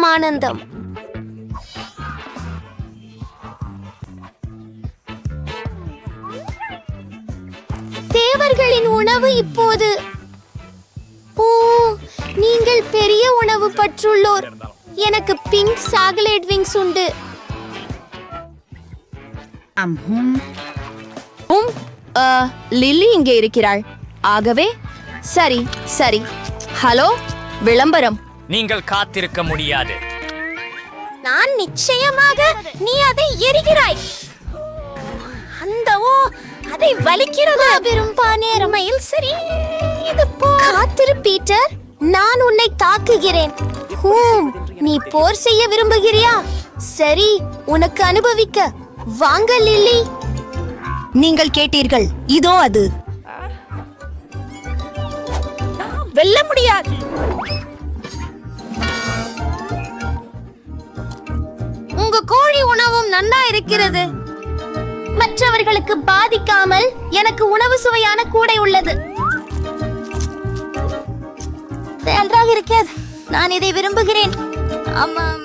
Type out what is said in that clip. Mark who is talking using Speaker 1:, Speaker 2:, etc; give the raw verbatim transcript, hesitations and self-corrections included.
Speaker 1: ஆனந்தம். தேவர்களின் உணவு இப்போது. ஓ, நீங்கள் பெரிய உணவு பற்றுள்ளோர். எனக்கு பிங்க் சாக்லேட் விங்ஸ் உண்டு.
Speaker 2: உம், ஆ, லில்லி இங்கே இருக்கிறாள். ஆகவே சரி சரி. ஹலோ, விளம்பரம்.
Speaker 3: நீங்கள் காத்திருக்க முடியாது.
Speaker 1: நான் நிச்சயமாக. நீ அதை எரிகிறாய். அந்த ஓ, அதை வலிக்கிறது. விரும்பா நேரமையில் சரி. இது போ. காத்திரு பீட்டர், நான் உன்னை தாக்குகிறேன். ஹூம், நீ போர் செய்ய விரும்புகிறியா? சரி, உனக்கு அனுபவிக்க. வாங்க லில்லி.
Speaker 4: நீங்கள் கேட்டீர்கள், இதோ அது.
Speaker 1: வெல்ல முடியாது. உங்க கோழி உணவும் நன்னா இருக்கிறது. மற்றவர்களுக்கு பாதிக்காமல் எனக்கு உணவு சுவையான கூடை உள்ளது. நன்றாக இருக்கிறது. நான் இதை விரும்புகிறேன். ஆமாம்.